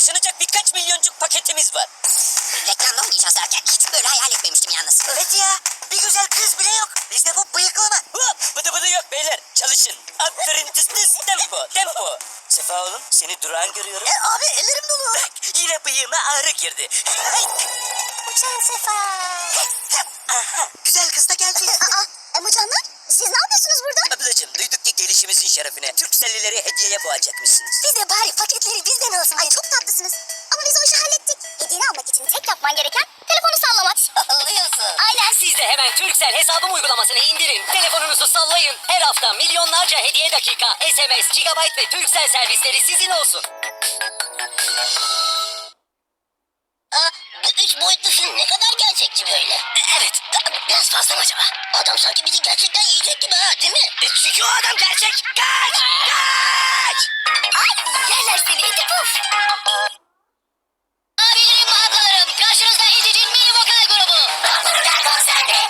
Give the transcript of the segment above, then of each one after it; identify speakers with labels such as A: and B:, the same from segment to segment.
A: Sınacak birkaç milyoncuk paketimiz var.
B: Reklamda oynayacağız derken hiç böyle hayal etmemiştim yalnız.
C: Evet ya. Bir güzel kız bile yok. Bizde bu bıyıklama.
A: Hop, bıdı bıdı yok beyler. Çalışın. Aferin tıs tıs tempo tempo. Sefa oğlum seni durağan görüyorum.
C: Abi ellerim dolu.
A: Bak yine bıyığıma ağrı girdi. Ay,
B: Uçan Sefa.
A: aha.
C: Güzel kız da geldi.
B: Emucanlar siz ne yapıyorsunuz burada?
A: Ablacığım duyduk ki gelişimizin şerefine Türkcellileri hediyeye boğacakmışsınız.
B: Biz de bari paketleri bizden alsın. Ay çok tatlısınız. Ama biz o işi hallettik. Hediyeni almak için tek yapman gereken telefonu sallamak. Sallıyorsun. Aynen.
D: Siz de hemen Turkcell hesabım uygulamasını indirin. Telefonunuzu sallayın. Her hafta milyonlarca hediye dakika, SMS, gigabyte ve Turkcell servisleri sizin olsun.
B: Üç boyutlu film ne kadar gerçekçi böyle.
D: Evet.
B: Biraz fazla mı acaba? Adam sanki bizi gerçekten yiyecek gibi ha değil mi?
D: Çünkü o adam gerçek. Kaç! Kaç!
B: Ay yerler seni iti puf. Abilerim ve ablalarım karşınızda Edic'in mini vokal grubu. Burada konserde.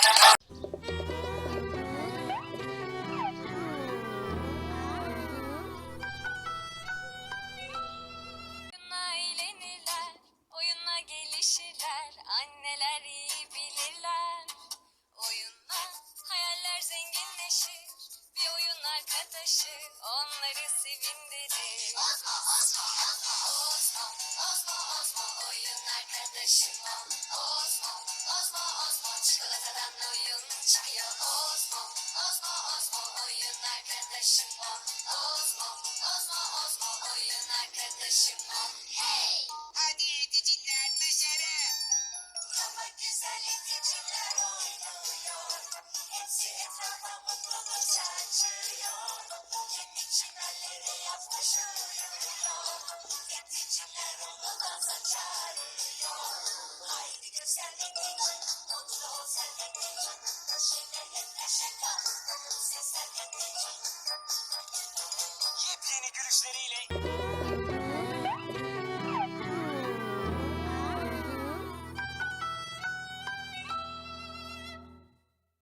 E: Oyunla eğlenirler, oyunla gelişirler, anneler iyi bilirler. Oyunla hayaller zenginleşir, bir oyun arkadaşı onları sevindirir. Ozmo, Ozmo, Ozmo, Ozmo, Ozmo, Ozmo, oyun arkadaşım o. Ozmo, Ozmo, Ozmo, çikolatadan oyun çıkıyor. Ozmo, Ozmo, Ozmo, oyun arkadaşım o. Ozmo, Ozmo, Ozmo, oyun arkadaşım